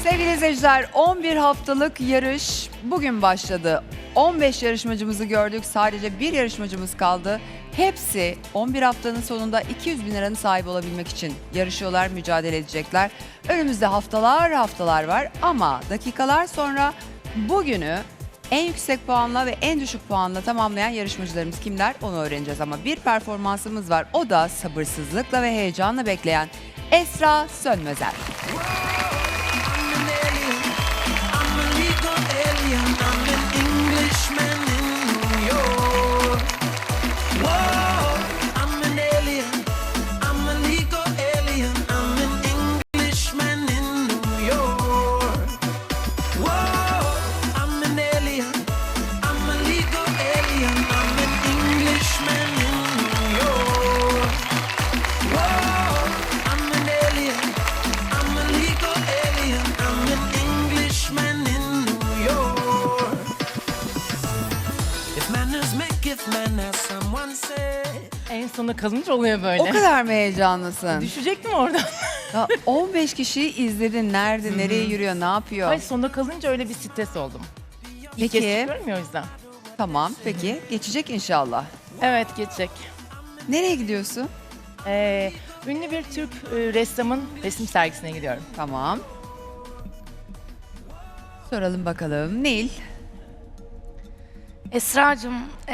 Sevgili izleyiciler, 11 haftalık yarış bugün başladı. 15 yarışmacımızı gördük. Sadece bir yarışmacımız kaldı. Hepsi 11 haftanın sonunda 200 bin liranın sahibi olabilmek için yarışıyorlar, mücadele edecekler. Önümüzde haftalar var ama dakikalar sonra bugünü en yüksek puanla ve en düşük puanla tamamlayan yarışmacılarımız kimler onu öğreneceğiz. Ama bir performansımız var. O da sabırsızlıkla ve heyecanla bekleyen Esra Sönmezer. En sona kalınca oluyor böyle. O kadar mı heyecanlısın? Düşecektim oradan. Ya 15 kişiyi izledin. Nerede, nereye yürüyor, ne yapıyor? Hayır, sonda kalınca öyle bir stres oldum. İlk Peki. kez çıkıyorum ya o yüzden. Tamam, peki. Geçecek inşallah. Evet, geçecek. Nereye gidiyorsun? Ünlü bir Türk ressamın resim sergisine gidiyorum. Tamam. Soralım bakalım. Nil. Esra'cığım,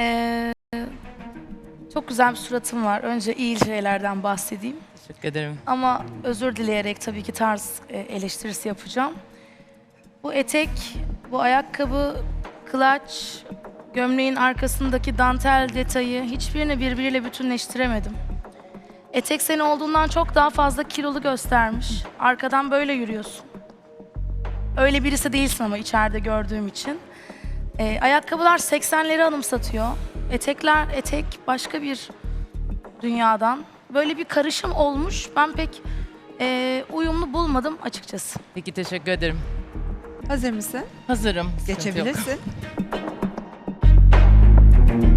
çok güzel bir suratın var. Önce iyi şeylerden bahsedeyim. Teşekkür ederim. Ama özür dileyerek tabii ki tarz eleştirisi yapacağım. Bu etek, bu ayakkabı, kılaç, gömleğin arkasındaki dantel detayı hiçbirini birbiriyle bütünleştiremedim. Etek seni olduğundan çok daha fazla kilolu göstermiş. Arkadan böyle yürüyorsun. Öyle birisi değilsin ama içeride gördüğüm için. Ayakkabılar 80'leri anımsatıyor. Etek başka bir dünyadan. Böyle bir karışım olmuş. Ben pek uyumlu bulmadım açıkçası. Peki, teşekkür ederim. Hazır mısın? Hazırım. Sıkıntı yok. Geçebilirsin.